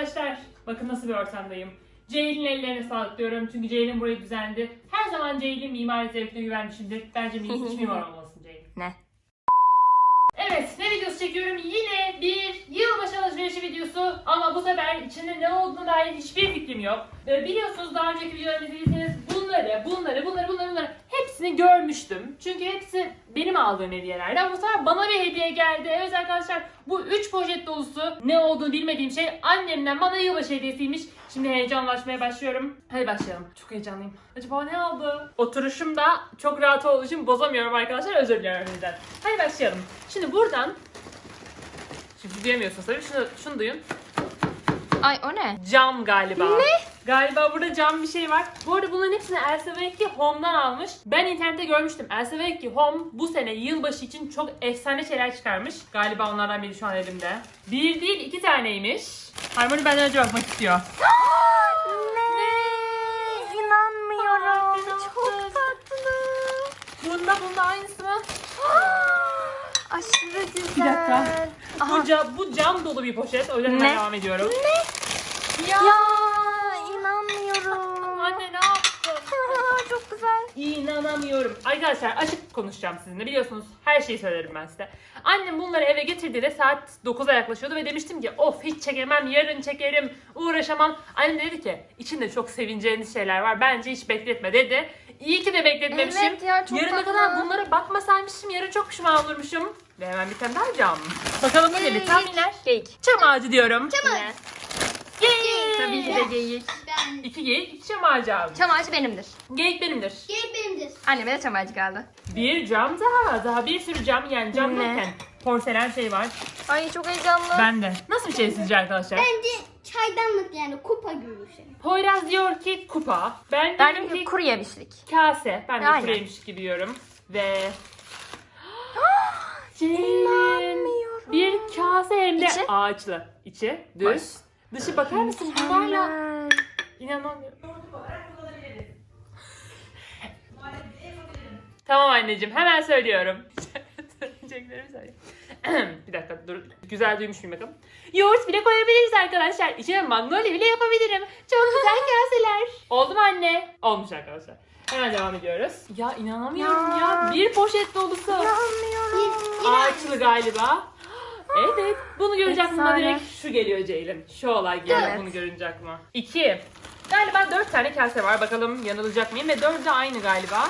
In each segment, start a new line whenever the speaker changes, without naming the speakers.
arkadaşlar. Bakın nasıl bir ortamdayım. Ceylin'in ellerine sağlık diyorum çünkü Ceylin burayı düzenledi. Her zaman Ceylin mimari zevkine güvenmişimdir. Bence hiç mimar olmasın Ceylin.
Ne?
Evet, ne videosu çekiyorum? Yine bir yılbaşı alışverişi videosu ama bu sefer içinde ne olduğuna dair hiçbir fikrim yok. Biliyorsunuz daha önceki videolarımı izlediyseniz bunları hepsini görmüştüm. Çünkü hepsi benim aldığım hediyelerdi ama bu sefer bana bir hediye geldi. Evet arkadaşlar, bu 3 poşet dolusu ne olduğunu bilmediğim şey annemden bana yılbaşı hediyesiymiş. Şimdi heyecanlaşmaya başlıyorum. Hadi başlayalım. Çok heyecanlıyım. Acaba ne aldı? Oturuşum da çok rahat olduğu için bozamıyorum arkadaşlar. Özür diliyorum sizden. Hadi başlayalım. Şimdi buradan... Şimdi duyamıyorsunuz tabii. Şunu duyun.
Ay o ne?
Cam galiba.
Ne?
Galiba burada cam bir şey var. Bu arada bunların hepsini Elsa Vecchi Home'dan almış. Ben internette görmüştüm. Elsa Vecchi Home bu sene yılbaşı için çok efsane şeyler çıkarmış. Galiba onlardan biri şu an elimde. Bir değil 2 taneymiş. Harmony benden önce bakmak istiyor.
Ne? İnanmıyorum. Çok tatlı.
Bunda aynısı mı?
Aşırı güzel.
Bir dakika.
Aha.
Bu cam dolu bir poşet. O yüzden
Ne?
ben devam ediyorum.
Ne?
Ya.
İnanmıyorum.
Anne ne yaptın?
Çok güzel.
İnanamıyorum. Arkadaşlar açık konuşacağım sizinle. Biliyorsunuz her şeyi söylerim ben size. Annem bunları eve getirdi de saat 9'a yaklaşıyordu ve demiştim ki of hiç çekemem, yarın çekerim, uğraşamam. Annem dedi ki içinde çok sevineceğiniz şeyler var. Bence hiç bekletme dedi. İyi ki de bekletmemişim.
Evet ya, çok
Yarına
tatlı.
kadar bunlara bakmasaymışım, yarın çok pişman olurmuşum. Ve hemen bir tane daha cam. Bakalım ne dedi tahminler?
Geyik.
Çam ağacı diyorum.
Ne?
Geyik.
Tabii ki de geyik.
Ben.
2 geyik, 2 çam ağacı aldım.
Çam ağacı benimdir.
Geyik benimdir.
Gel benimdir.
Anneme de çam ağacı geldi.
Bir cam daha bir sürü cam, yani cam
Ne?
derken porselen şey var.
Ay çok heyecanlı.
Bende. Nasıl bir şey sizce arkadaşlar?
Bence çaydanlık yani kupa gibi bir şey.
Poyraz diyor ki kupa. Ben
Ben
diyorum
de
ki
kuru yemişlik.
kase. Ben de
Aynen.
kuruyemiş gibi diyorum. Ve...
İnanmıyorum.
Bir kase hem de
İçi?
ağaçlı. İçi düz.
Boş.
Dışı bakar mısın bunlarla?
Mükemmel.
İnanamıyorum. Tamam anneciğim, hemen söylüyorum. Söyleyeceklerimi söyleyeyim. Bir dakika dur. Güzel duymuş muyum bakalım. Yoğurt bile koyabiliriz arkadaşlar. İçine magnolia bile yapabilirim. Çok güzel kaseler. Oldu mu anne? Olmuş arkadaşlar. Hemen devam ediyoruz. Ya inanamıyorum ya. Bir poşet dolusu.
İnanmıyorum.
Ağaçlı galiba. Evet. Bunu görünce aklıma
Efsane.
direkt şu geliyor Ceylin. Şu olay geliyor
Evet.
bunu görünce aklıma. 2. Galiba 4 tane kase var. Bakalım yanılacak mıyım? Ve 4'ü de aynı galiba.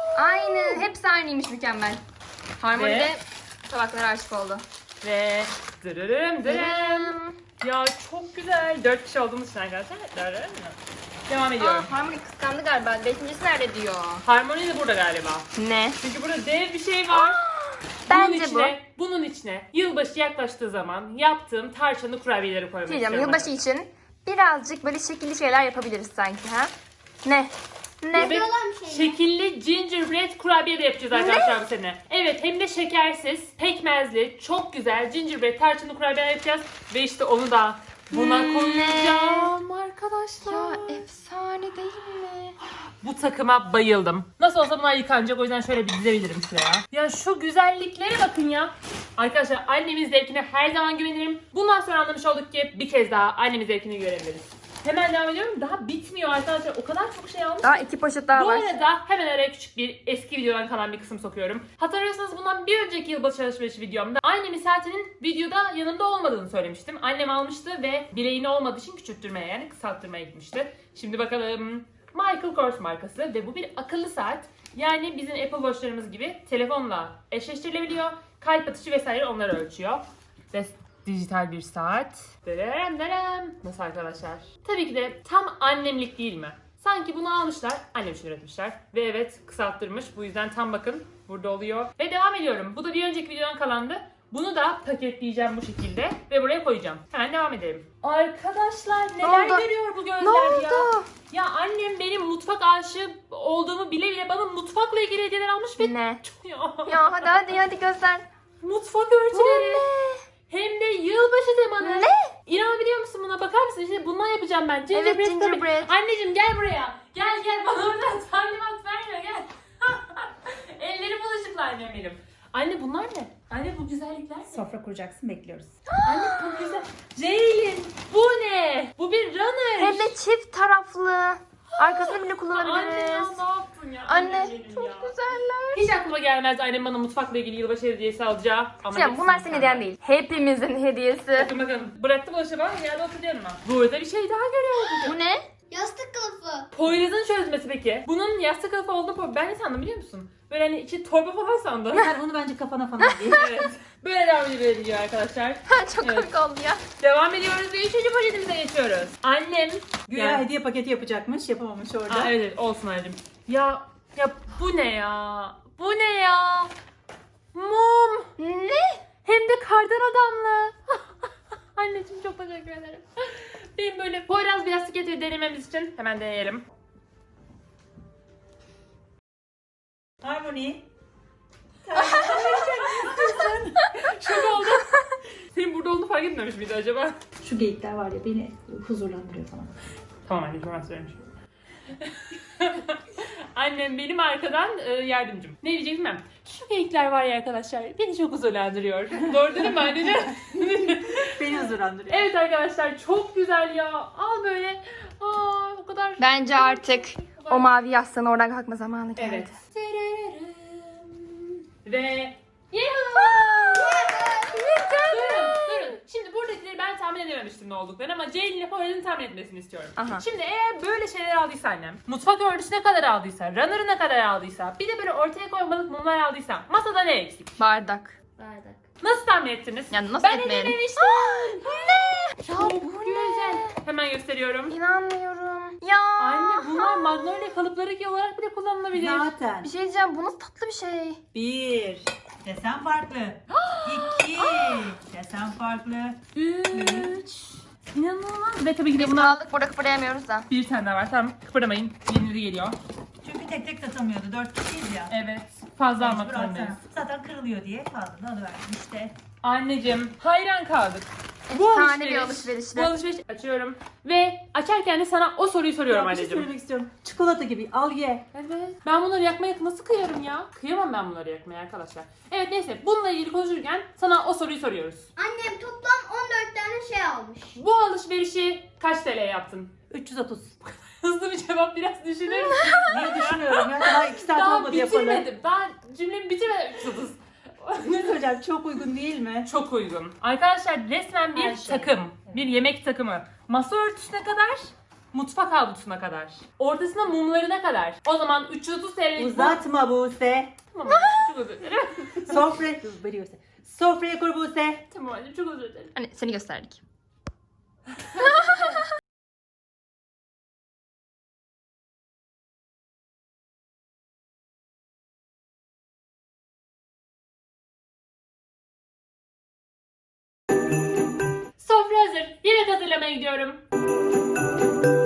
Aynı. Hepsi aynıymış, mükemmel. Harmony
Ve-
de tabaklara aşık oldu.
Ve dırırım dırım. Ya çok güzel. 4 kişi olduğumuz için arkadaşlar. Dırırım. Devam ediyorum.
Harmony kıskandı galiba. Beşincisi nerede diyor.
Harmoni de burada galiba.
Ne?
Çünkü burada dev bir şey var.
Bence
Bunun içine yılbaşı yaklaştığı zaman yaptığım tarçınlı kurabiyeleri koymak
Diyeceğim,
istiyorum.
yılbaşı için birazcık böyle şekilli şeyler yapabiliriz sanki ha? Ne? Ne?
Ve
olan bir şey.
şekilli gingerbread kurabiye de yapacağız arkadaşlar bu sene. Evet, hem de şekersiz, pekmezli, çok güzel gingerbread tarçınlı kurabiye yapacağız. Ve işte onu da buna koyacağım arkadaşlar.
Ya efsane değil mi?
Bu takıma bayıldım. Nasıl olsa bunlar yıkanacak, o yüzden şöyle bir dizebilirim şuraya. Ya şu güzelliklere bakın ya. Arkadaşlar annemin zevkine her zaman güvenirim. Bundan sonra anlamış olduk ki bir kez daha annemin zevkini görebiliriz. Hemen devam ediyorum. Daha bitmiyor arkadaşlar. O kadar çok şey almış.
Daha 2 poşet daha
Bu
var.
arada hemen araya küçük bir eski videodan kalan bir kısım sokuyorum. Hatırlıyorsanız bundan bir önceki yılbaşı alışverişi videomda annemin saatinin videoda yanımda olmadığını söylemiştim. Annem almıştı ve bileğini olmadığı için küçülttürmeye, yani kısalttırmaya gitmişti. Şimdi bakalım. Michael Kors markası ve bu bir akıllı saat. Yani bizim Apple Watch'larımız gibi telefonla eşleştirilebiliyor. Kalp atışı vesaire onları ölçüyor. Ve dijital bir saat. Derem derem. Nasıl arkadaşlar? Tabii ki de tam annemlik değil mi? Sanki bunu almışlar, annem için üretmişler. Ve evet, kısalttırmış. Bu yüzden tam bakın burada oluyor. Ve devam ediyorum. Bu da bir önceki videodan kalandı. Bunu da paketleyeceğim bu şekilde ve buraya koyacağım. Hemen devam edelim. Arkadaşlar neler
oldu?
görüyor bu gözler
Ne oldu?
ya? Ya annem benim mutfak aşığı olduğumu bile bile bana mutfakla ilgili hediyeler almış ve
Ne?
ya,
Ya hadi göster.
mutfak
Bu
örtüleri.
ne?
Hem de yılbaşı temalı.
Ne?
İnanabiliyor musun buna? Bakar mısın? İşte bundan yapacağım ben.
Evet,
tabii.
gingerbread.
Anneciğim gel buraya. Gel bana oradan talimat verme gel. Elleri bulaşıklı annem benim. Anne bunlar ne? Anne bu güzellikler ne?
Sofra kuracaksın, bekliyoruz.
Anne bu güzel. Ceylin bu ne?
çift taraflı. Arkasını bile
Anne ya
kullanabiliriz.
ne yaptın ya?
Anne
benim
çok
ya.
güzeller.
Hiç aklıma gelmezdi annem bana mutfakla ilgili yılbaşı hediyesi alacağı. Ama
Şimdi bunlar
hepsini
senin hediyen
senden.
değil. Hepimizin hediyesi.
Bakın bakın. Bıraktım bulaşığı bana yerde oturuyorum ben. Burada bir şey daha görüyorum.
Bu ne?
Yastık kılıfı.
Poyraz'ın çözmesi peki. Bunun yastık kılıfı olduğunu ben ne sandım biliyor musun? Böyle hani içi torba falan sandım.
Sen onu bence kafana falan giy.
Evet. Böyle devam ediyor arkadaşlar.
Çok
Evet.
komik oldu ya.
Devam ediyoruz ve 3. poşetimize geçiyoruz. Annem.
Güya
Yani-
hediye paketi yapacakmış, yapamamış orada.
Aa, evet olsun anneciğim. Ya bu ne ya? Bu ne ya? Mum.
Ne?
Hem de kardan adamlı. Anneciğim çok teşekkür ederim. Benim böyle Poyraz bir yastık getir denememiz için hemen deneyelim.
Harmony.
Şok oldum. Senin burada olduğunu fark etmemiş miydi acaba?
Şu geyikler var ya beni huzurlandırıyor falan.
Tamam anneciğim ben söylemişim. Annem benim arkadan yardımcım. Ne diyecektim ben? Şu geyikler var ya arkadaşlar beni çok huzurlandırıyor. Doğru değil mi anneciğim?
Beni huzurlandırıyor.
Evet arkadaşlar çok güzel ya. Al böyle. Aa, o kadar.
Bence artık o mavi yastığın oradan kalkma zamanı geldi.
Evet. Ve Durun. Şimdi buradakileri ben tahmin edememiştim ne olduklarını ama Ceylin ile Poyraz'ın tahmin etmesini istiyorum.
Aha.
Şimdi eğer böyle şeyler aldıysa annem, mutfak örtüsü ne kadar aldıysa, runner'ı ne kadar aldıysa, bir de böyle ortaya koymalık mumlar aldıysa masada ne eksik?
Bardak.
Bardak.
Nasıl tahmin ettiniz?
Yani nasıl
Ben
etmeyelim?
edememiştim.
Ne? Ya
Çok
bu
güzel.
ne?
Hemen gösteriyorum.
İnanmıyorum. Ya.
Anne bunlar magnolia kalıpları olarak bile kullanılabilir.
Zaten.
Bir şey diyeceğim. Bu nasıl tatlı bir şey.
1. Desen farklı. 2. Desen farklı.
3. İnanılmaz. Ve tabii ki de
Biz
buna
kaldık burada kıpırdayamıyoruz da.
bir tane daha var. Tamam kıpırdamayın. Yenileri geliyor.
Çünkü tek tek satamıyordu. 4 kişiyiz ya.
Evet. Fazla almak
Mecbur alsana.
zorundayız.
Zaten kırılıyor diye fazla alıverdim işte.
Anneciğim hayran kaldık.
Efsane bir alışverişti.
Bu alışveriş açıyorum. Ve açarken de sana o soruyu soruyorum
Ya bir şey
anneciğim.
söylemek istiyorum. Çikolata gibi al ye.
Evet. Ben bunları yakmaya nasıl kıyarım ya? Kıyamam ben bunları yakmaya arkadaşlar. Evet neyse bununla ilgili konuşurken sana o soruyu soruyoruz.
Annem toplam 14 tane şey almış.
Bu alışverişi kaç TL yaptın?
330.
Hızlı bir cevap biraz düşünür müsün?
Niye düşünüyorum ya? Daha 2 saat
Daha
olmadı yapalı.
bitirmedim. Daha cümlemi bitirmedim. 330.
Ne söyleyeceğim? Çok uygun değil mi?
Çok uygun. Arkadaşlar resmen bir
Her şey.
takım. Bir yemek takımı. Masa örtüsüne kadar, mutfak havlusuna kadar. Ortasına mumlarına kadar. O zaman 330 TL'lik
Uzatma Buse.
Tamam çok özür dilerim.
Sofraya kur Buse.
Tamam anneciğim çok özür dilerim.
Hani seni gösterdik.
Sofra hazır. Yemek hazırlamaya gidiyorum.